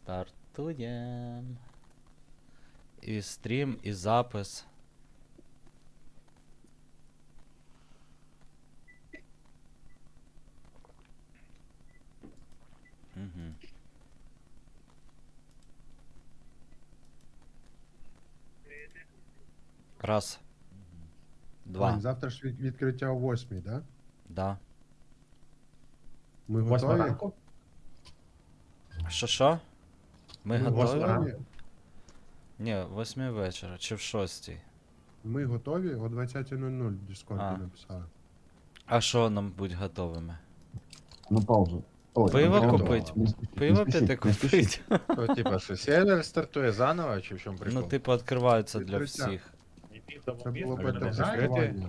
Стартуєм. І стрім, і запис. Угу. Раз. Два. Вань, завтра ж відкриття о 8, да? Да. Ми Восьма готові? ранку? Що? Ми Ми готові? готові? Ні, в 8 вечора чи в 6. Ми готові? О 20:00 в Дискорді А. написали. А що нам будь готовими? На паузу. Ой, Пиво там купить? не спішіть, Пиво не спішіть, піти не спішіть. купить? То, типа, що сервер стартує заново, чи в чому прикол? Ну, типу, відкриваються для Відкриття. всіх. Це було він бета не закритий? тестування.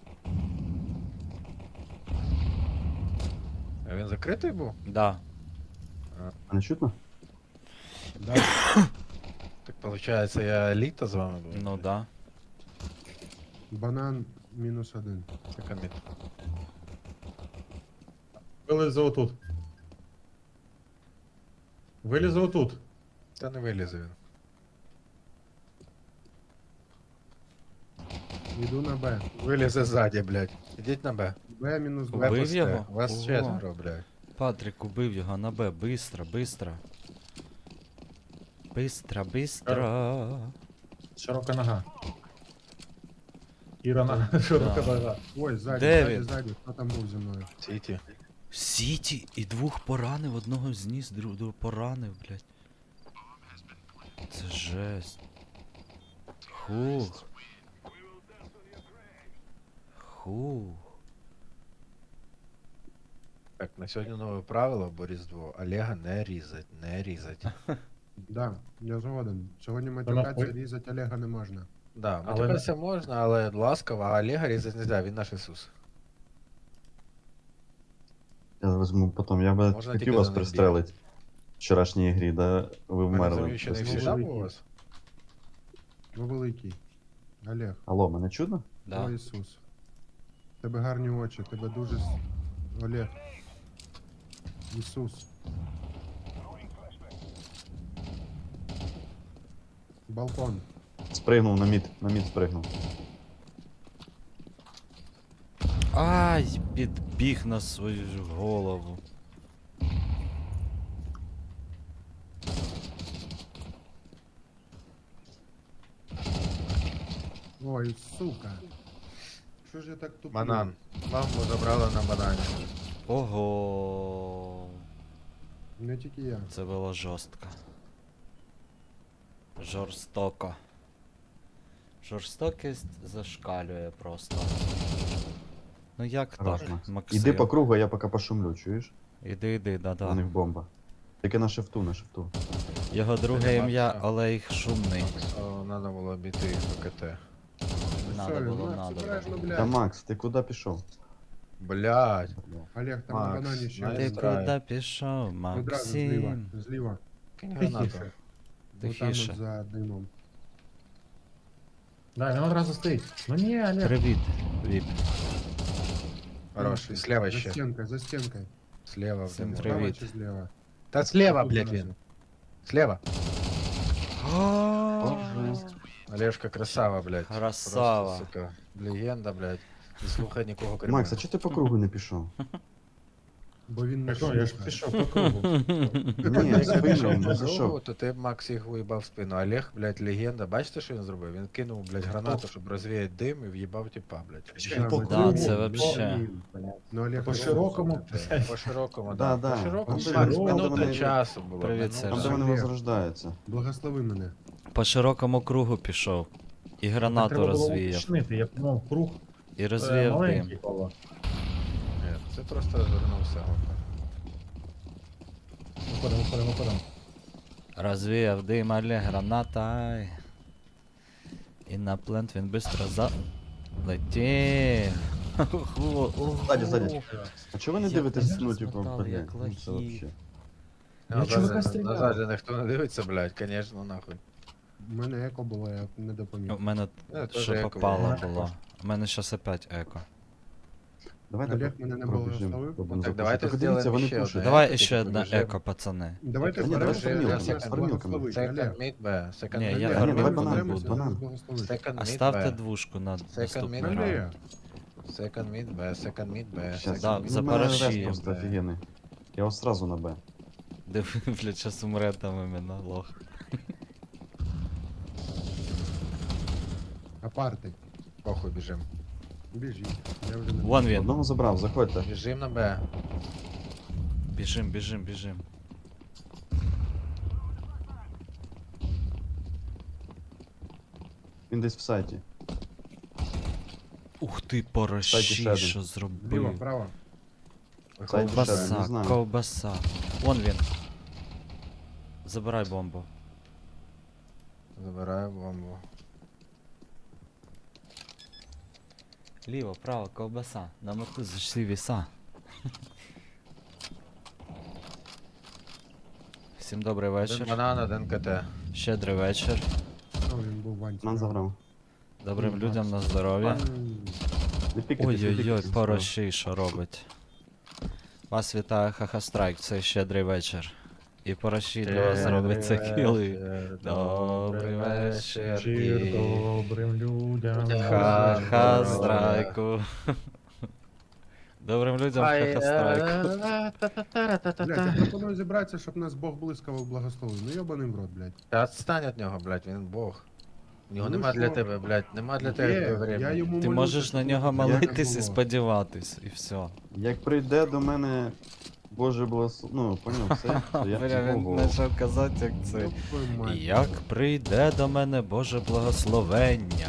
А він закритий був? Да. А не чутно? Да. Так виходить, я літо з вами був? Ну да. Банан -1. Це коміт. Вилізе отут. Вилізе отут. Та не вилізе він. Йду на Б. Вилізе ззаді, блядь. Ідіть на Б. Б мінус Б 2. Убив пусте. його? Вас Ого. четверо, блядь. Патрик убив його на Б. Бистро, бистро. Бистро, бистро. Широка нога. Іра нога, широка нога. Ой, ззаді, Де ззаді, він? ззаді. Хто там був зі мною? Сіті. Сіті і двох поранив, одного зніс, другого поранив, блядь. Це жесть. Хух. Хух. Так, на сьогодні нове правило, бо Різдво. Олега не різать, не різать. Да, я згоден. Сьогодні Вона матюкатися, хуй. різати Олега не можна. Да, Але матюкатися можна, але ласково, а Олега різати не можна, він наш Ісус. Я візьму потім. Я би Можна тільки хотів вас за ним пристрелити. В вчорашній грі, да? Ви Мене вмерли. заміщений Без всі великий. у вас? Ну великий. Олег, Алло, мене чутно? о Да. Ісус. Тебе гарні очі, тебе дуже... Олег. Ісус. Балкон. Спригнув на мід спригнув. Ай, підбіг на свою ж голову. Ой, сука. Що ж я так туплю? Банан. Маму забрали на банані. Ого. Не тільки я. Це було жорстко. Жорстоко. Жорстокість зашкалює просто. Ну як Хорош, так, Макс. Максим? Іди по кругу, а я поки пошумлю, чуєш? Іди, У да-да. них бомба. Тільки на шифту, на шифту. Його друге Це ім'я Макса. Олег Шумний. О, надо було бити їх по КТ. Надо Все, було, Макс, надо обережно, було. блядь. Та Макс, ти куди пішов? Блядь. Олег, там Макс, на банані ще знаєш, Ти один. Страйк. куди пішов, Одразу зліва. Максим? Зліва. Кинь гранату. Отам Тихіше. от за димом. Да, він одразу стоїть. Ну ні, Олег. Привіт, Віп. Хорош. І слева За ще. стінкою, за стінкою. Слева в Всім дыму. привіт. Справа чи зліва? Та слева, Тут блядь, зразу. він. Слева. Боже. Олежка красава, блядь. Красава. Просто, сука, легенда, блядь. Не слухай нікого крім Макс, а мене. чого ти по кругу не пішов? Бо він не Так, я ж шукає. пішов по кругу. Ні, я Якщо спину, пішов не по кругу, зайшов. то ти б Макс їх виїбав в спину. Олег, блядь, легенда. Бачите, що він зробив? Він кинув, блядь, гранату, щоб розвіяти дим і в'їбав типа, блядь. Ще й по Да, кругу. це вообще. Ну, Олег, По широкому. По широкому, Да, да. да. По широкому, Там, Макс, де минута вони- часу було. Привіт, минута. Там, Сергій. де вони Олег. возрождаються. Благослови мене. По широкому кругу пішов. І гранату Треба було розвіяв. уточнити, я думав, круг І розвіяв маленький дим. коло. Ні, це просто розвернувся. Виходимо. Розвіяв дим, але граната. І на плент він швидко залетів. Ззаді. А чого ви не Як дивитесь, нас ну, типу, розмотали, блядь, як ну, це лохи. вообще. Я чувака стріляв. Назад же ніхто не дивиться, блядь, конечно, нахуй. У мене еко було, я не допоміг. У мене теж що еко попало було. було. У мене щас опять еко. Давайте Олег мене не пробіжимо. благословив. Пробуємо Так, запушити. давайте Тільки дивіться, зробимо вони ще пушать. одне. Давай тільки ще одне побіжимо. еко, пацани. Давайте Ні, вперед, давай щоб фармілку, нас фармілку, благословить. Second Олег. mid B, second Ні, mid я B. фармілку давай не банан, буду. банан. Благословить. Second mid Ставте B. двушку на Second наступний mid раунд. Олег. Second mid B, second mid B, Щас. Да, second за mid B. Ну, в мене параші. рез просто офігенний. Я ось сразу на Б. Диви, блядь, щас умре там іменно лох. Апарти. Похуй, біжим. Біжіть. Я вже не Вон він. Одного забрав, заходьте. Біжим на Б. Біжим, біжим, біжим. Він десь в сайті. Ух ти, Сайті порощі, ще один. що Ліво, зробив. право. Сайті ще один, не Ковбаса, знаю. ковбаса. Вон він. Забирай бомбу. Забираю бомбу. Ліво, право, ковбаса. На моту зайшли віса. Всім добрий Один вечір. банан, один КТ. Щедрий вечір. О, він був ванці. Нам заграв. Добрим людям на здоров'я. Не пікайтесь, не Ой-ой-ой, пікайтесь. порощі, що робить. Вас вітає Хахастрайк, цей щедрий вечір. І порощі для вас зробить це кіли. Добрий вечір. Чир І добрим людям. Хахастрайку. Добрим людям Хахастрайку. Блядь, я пропоную зібратися, щоб нас Бог блискавок благословив. Ну йобаний в рот, блядь. Та відстань від нього, блядь, він бог. У нього Ну нема для що? тебе, блядь, нема для Є, тебе я времени. йому Ти молюся, можеш щоб на нього воно молитись і було. сподіватись, і все. Як прийде до мене Боже благослов... Ну, поняв, все, то я Бля, він Богу. почав казати, як це. Ёб твою мать. Як прийде до мене Боже благословення.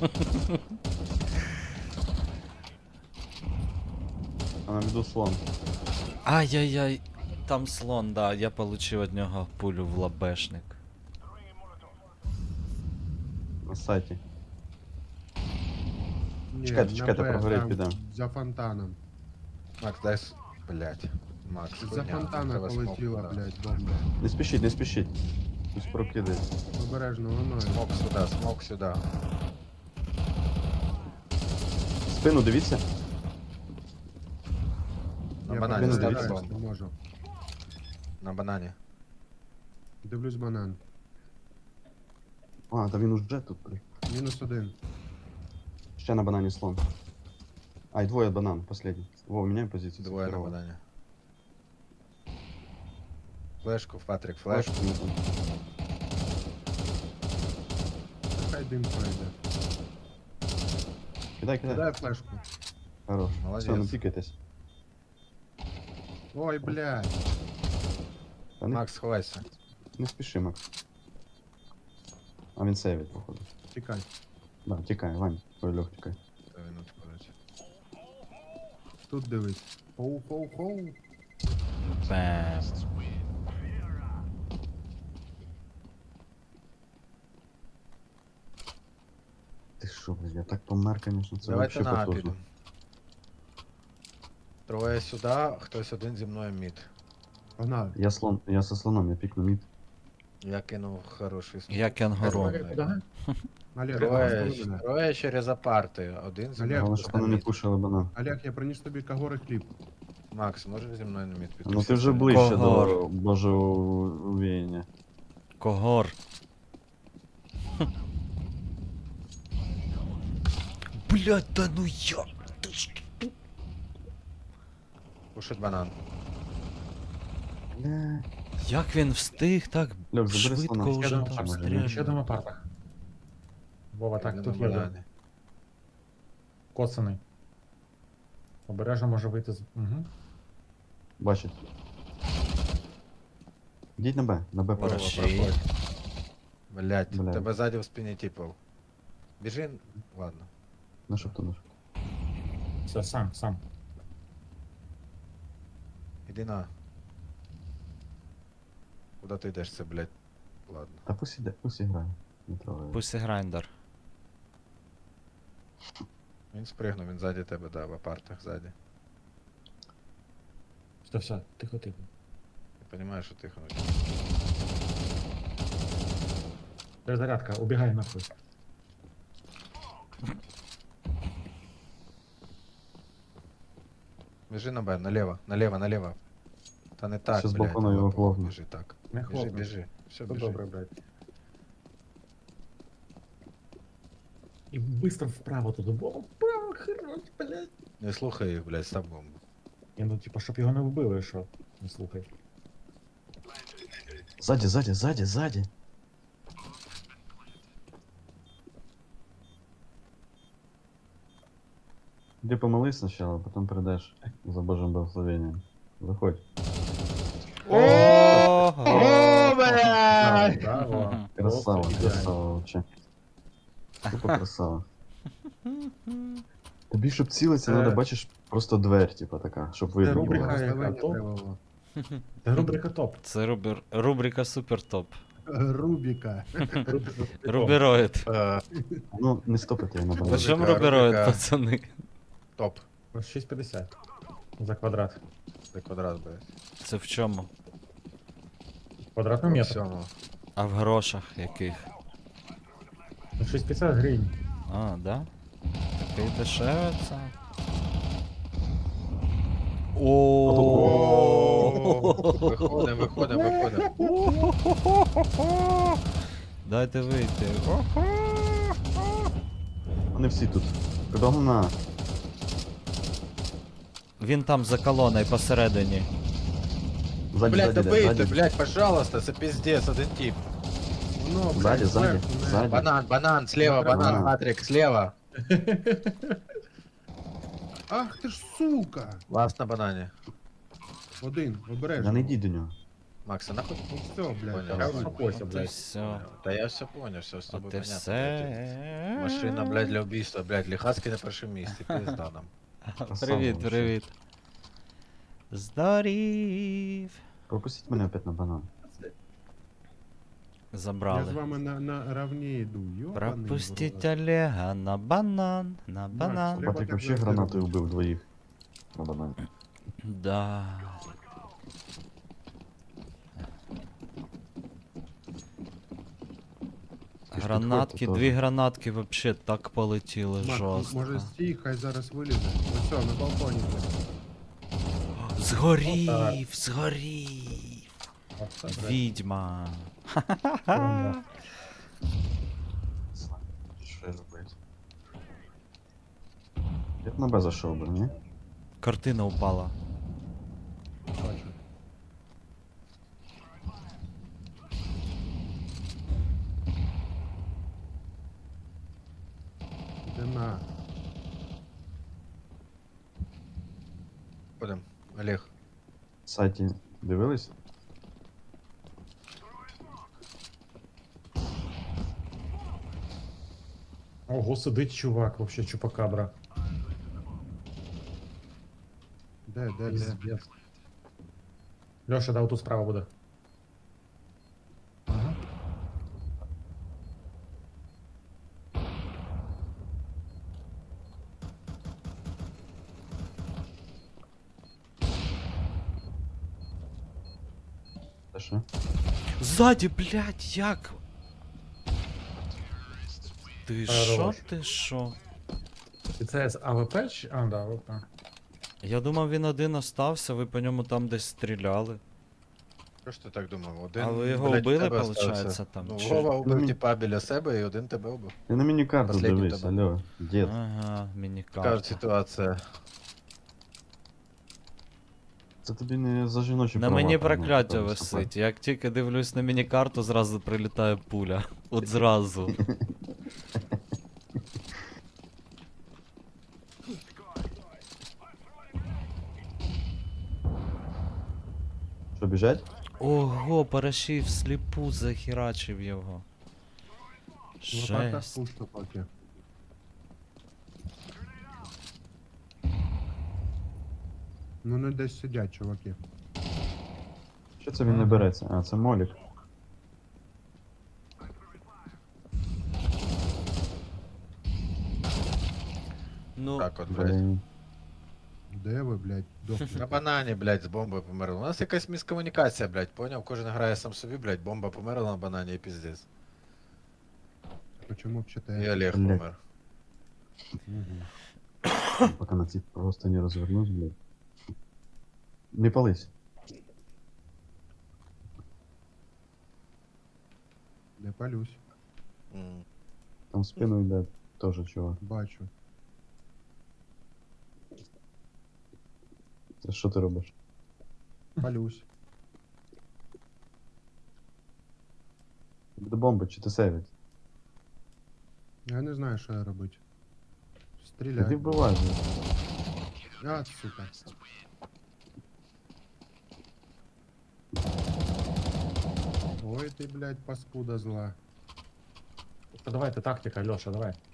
А на віду слон. Ай-яй-яй, там слон, да, я получив від нього пулю в лабешник. На сайті. Ні, Чекайте, на чекайте, Б, прогорить там, підемо. За фонтаном. Макс, дай блядь. Макс, За хуйня, фонтана треба смок полетіла, туди. блядь, бомба. Не спішіть, не спішіть. Хтось прокидає. Обережно, воно. Смок сюди, смок сюди. Спину дивіться. На Я банані не став дивіться. стараюсь, бомбу. не можу. На банані. Дивлюсь банан. А, та він уже тут. блін. -1. Ще на банані слон. Ай, двоє банан, последній. Во, міняй позицію. Двоє на Здорово. банані. Флешку, Патрик, Флешку флешку. не тут. Хай дим пройде. Кидай, кидай. Дай флешку. Хорош. Молодець. Все, не пікайтесь. Ой, блядь. Та не, Макс, ховайся. не спіши, Макс. А він сейвить, походу. Тікай. Да, тікай, Вань. Ой, Льох, тікай. Та він відходить. Тут дивись. Хоу-хоу-хоу. Бем. Ти що, блядь, я так помер, конечно, це Давайте вообще на А потужно. підемо. Троє сюди, хтось один зі мною мід. Погнали. Я со слоном, я пікну мід. Я кинув хороший смок. Я кенгуру. Куди? Олег, Троє, благослови мене. троє через апарти, один зі Олег, мною Головне, хтось щоб на вони не мід. пушили банан. Олег, я приніс тобі кагори хліб. Макс, можеш зі мною на мід піти? Ну ти вже ближче Когор. до Божого увіяння. Когор. Блять, да ну я. Ти ж- Пушить банан. Бля. Як він встиг так Льох, забери швидко слона. уже Ще там одному може, апартах. Ще стріляти? одному апартах. Вова, так, Один тут на є банані. один. Коцаний. Обережно може вийти з. Угу. Бачить. Йдіть на Б Вова, Параші. проходь. Блять, Блядь. тебе ззаді в спині типов. Біжи, ладно. На що хто наш? Все, сам. Іди на. Куда ти йдеш це, блять? Ладно. Та пусть іде, пусть іграє. Не трогай. Пусі грайндер. Він спригнув, він ззаді тебе, да, в апартах ззаді. Все, тихо. Ти розумієш, що тихо. Перезарядка, убігай нахуй. Біжи на Б, наліво, наліво, наліво. Та не так, Щас блядь, балкону його лопуху, хлопну. біжи так. Не Біжи, хлопну. біжи. Все, Все біжи. добре, блядь. І быстро вправо туди. О, вправо, хорош, блядь. Не слухай їх, блядь, став бомбу. І ну, типа, щоб його не вбили, що? Не слухай. Сзади, сзади, сзади, сзади. Иди помолись сначала, потом передашь за Божьим благословением. Заходь. Ого! Браво, браво. Красава, Просто ідеально. красава вообще. Тупо красава. Тобі, щоб цілитися, Е. треба, бачиш, просто дверь, типа така, щоб Це видно рубрика, було. яка Благословення топ. треба було. Це рубрика топ. Це рубрика Супер Топ. Рубіка. Рубрика топ. Рубероїд. Ну, не стопити я на По балансі. чому Рубрика, рубероїд, рубрика. пацани? Топ. Ось 6,50 за квадрат. Це квадрат, блядь. Це в чому? Квадратний метр. Всьому. А в грошах яких? 6,50 гривень. А, да? Такий дешеве це. О! Виходимо, виходимо, виходимо. Дайте вийти. Вони всі тут. Кудогна. Він там за колоною посередині. Ззаді, Блядь, ззаді, добийте, ззаді. блядь, пожалуйста, це пиздец, один тип. Воно, блядь, Ззаді, ззаді, зверху, не- ззаді. Банан, банан, слева, Банан. банан, Патрик, слева. Ах ти ж сука! Ласт на банані. Один, Я обережно. не йди до нього. Макс, а нахуй? Ну все, блядь. Понял. Я давай. успокойся, От і блядь. все. Та я все понял, все з тобою От і понятно. все. Машина, блядь, для убийства, блядь, Лихацкий на першому місці, пизда нам. Привіт, вообще. привіт. Здорів. Пропустіть мене опять на банан. Я з Забрали. вами на равні йду. Йобаний в Пропустіть рот. Олега на банан, на банан. Треба Патрик так вообще завжди гранатою робити. вбив двоїх. На банані. Да. Ти ж Гранатки, підходь, дві то гранатки вообще так полетіли Мак, жорстко. може стій, хай зараз вилізе. Ось все, на балконі. блядь. Згорів, згорів. Оце, блядь. Відьма. Ерунда. Що я зробити? Я б на Б зайшов би, ні? Картина упала. Бачу. Де на? Ходим, Олег. В сайті дивились? Ого, сидить чувак, вообще чупакабра. Де? Пиздец. Леша, да, отут справа буде. Ага. Та що? Ззаді, блядь, як? Ти шо, Хорош. ти шо? І це з АВП чи? А, да, АВП. Я думав, він один остався, ви по ньому там десь стріляли. Що ж ти так думав? Один, А ви його блядь, вбили, тебе получається, остався. там, Ну, чи- Вова убив Ну, типа біля себе і один тебе убив. Я на міні-карту Последній дивись, тебе. алло, дід. Ага, Така міні-карта. ж ситуація. Це тобі не за жіночі На права, мені там, прокляття ну, висить. Як тільки дивлюсь на міні-карту, зразу прилітає пуля. От зразу. Що, біжать? Ого, Парашів сліпу захерачив його. Лопата Жесть. пусто поки. Ну не десь сидять, чуваки. Що це він не береться? А, це молік. Ну, Так от, блядь. Блін. Де ви, блядь, На дохнете? банані, блядь, з бомбою померли. У нас якась міскомунікація, блядь, поняв? Кожен грає сам собі, блядь, бомба померла на банані і піздець. Почему б І те? Олег Блядь. помер. Мгм. Поки на ці просто не розвернусь, блядь. Не пались. Не палюсь. Там в спину йде теж чувак. Бачу. Це що ти робиш? Палюсь. Буде бомба чи ти сейвить? Я не знаю, що я робити. Ти Стріляй. вбиваєш. А, сука. Ой, ти, блядь, паскуда зла. Давайте тактика, Леша, давай.